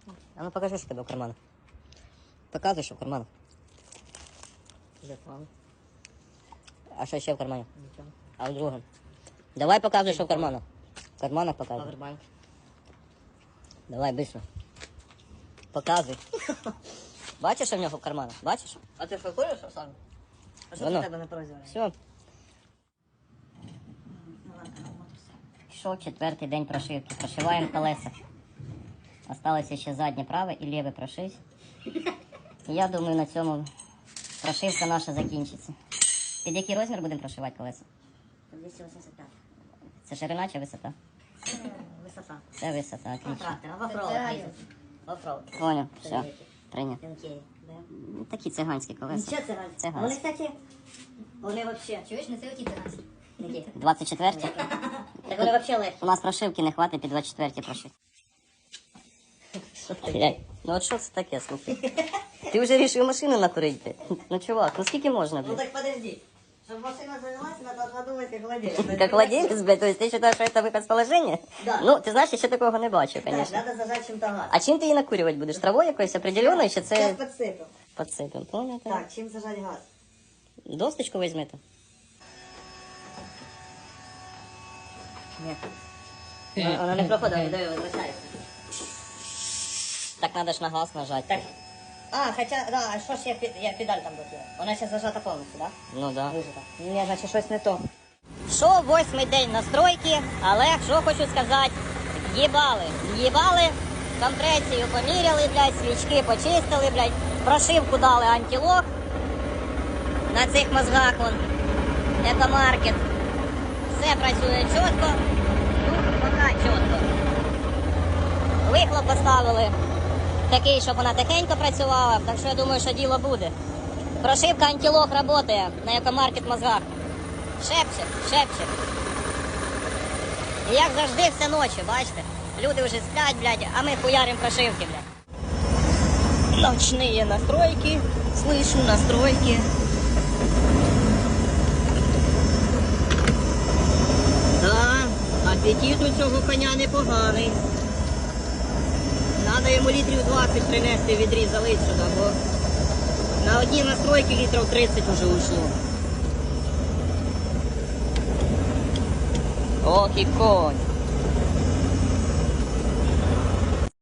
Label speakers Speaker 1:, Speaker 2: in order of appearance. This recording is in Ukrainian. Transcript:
Speaker 1: А ну покажи, що в тебе в карманах. Показуй, що в карманах.
Speaker 2: Запал.
Speaker 1: А що ще в кармані?
Speaker 2: Ничего.
Speaker 1: А в другому? Давай показуй, що в карманах. В карманах показуй.
Speaker 2: Павербанк.
Speaker 1: Давай, быстро. Показуй. Бачиш, що в нього в карманах? Бачиш?
Speaker 2: А ти що куриш, Руслан? А що
Speaker 1: Воно.
Speaker 2: в тебе на прозорі?
Speaker 1: Все. Пішов 4-й день прошивки. Прошиваємо колеса. Осталося ще заднє праве і ліве прошить. І я думаю, на цьому прошивка наша закінчиться. Під який розмір будемо прошивати колеса?
Speaker 2: 285.
Speaker 1: Це ширина чи висота?
Speaker 2: Висота.
Speaker 1: Це висота, отлично.
Speaker 2: Трактор, а в оффроуд їздить. В оффроуд.
Speaker 1: Понял, все. Прийняв.
Speaker 2: Тенкей, да?
Speaker 1: Такі циганські колеса.
Speaker 2: Нічого це циганські.
Speaker 1: Циганські.
Speaker 2: Вони, кстати, вони вообще. Чуєш, не це оті циганські. Які?
Speaker 1: 24-ті?
Speaker 2: Так вони вообще легкі.
Speaker 1: У нас прошивки не хватить під 24-ті прошити. Ну от що це таке, слухай? Ти вже вирішив машину накурити. Ну чувак, ну скільки можна,
Speaker 2: Ну
Speaker 1: блядь?
Speaker 2: так подожди. Чтобы машина завелась, она должна думать как владелец.
Speaker 1: Как владелец, блядь, то есть ты считаешь, что это выход с положения?
Speaker 2: Да.
Speaker 1: Ну, ти знаєш, я ще такого не бачив,
Speaker 2: Так,
Speaker 1: конечно.
Speaker 2: надо зажать чем-то газ.
Speaker 1: А чим ти її накурювати будеш? Травою якоюсь определеною, чи
Speaker 2: Сейчас
Speaker 1: це
Speaker 2: подсыпем.
Speaker 1: підсипем? Понял?
Speaker 2: Так, чем зажать газ?
Speaker 1: Досточку візьмете?
Speaker 2: Нет. Она не проходит, да, возвращается.
Speaker 1: Так надо ж на газ нажати.
Speaker 2: Так. А, хотя, да, а что ж я педаль там блокирую? Она сейчас зажата полностью, да?
Speaker 1: Ну да.
Speaker 2: Вижата. Ні, значить щось не то.
Speaker 1: Що 8-й день настройки, але що хочу сказати, в'їбали, компресію поміряли, блядь, свічки почистили, блядь, прошивку дали антилок на цих мозгах, вон, екомаркет. Все працює чітко, ну, поки чітко. Вихлоп поставили такий, щоб вона тихенько працювала, так що я думаю, що діло буде. Прошивка антилок працює на екомаркет мозгах. Шепче. І як завжди все ночі, бачите? Люди вже сплять, блядь, а ми хуярим прошивки, блядь. Ночные настройки, слышу настройки. Да, апетит у цього коня непоганий. Надо йому літрів 20 принести, відрі залить сюди, бо на одні настройки літрів 30 уже ушло. Ох і конь.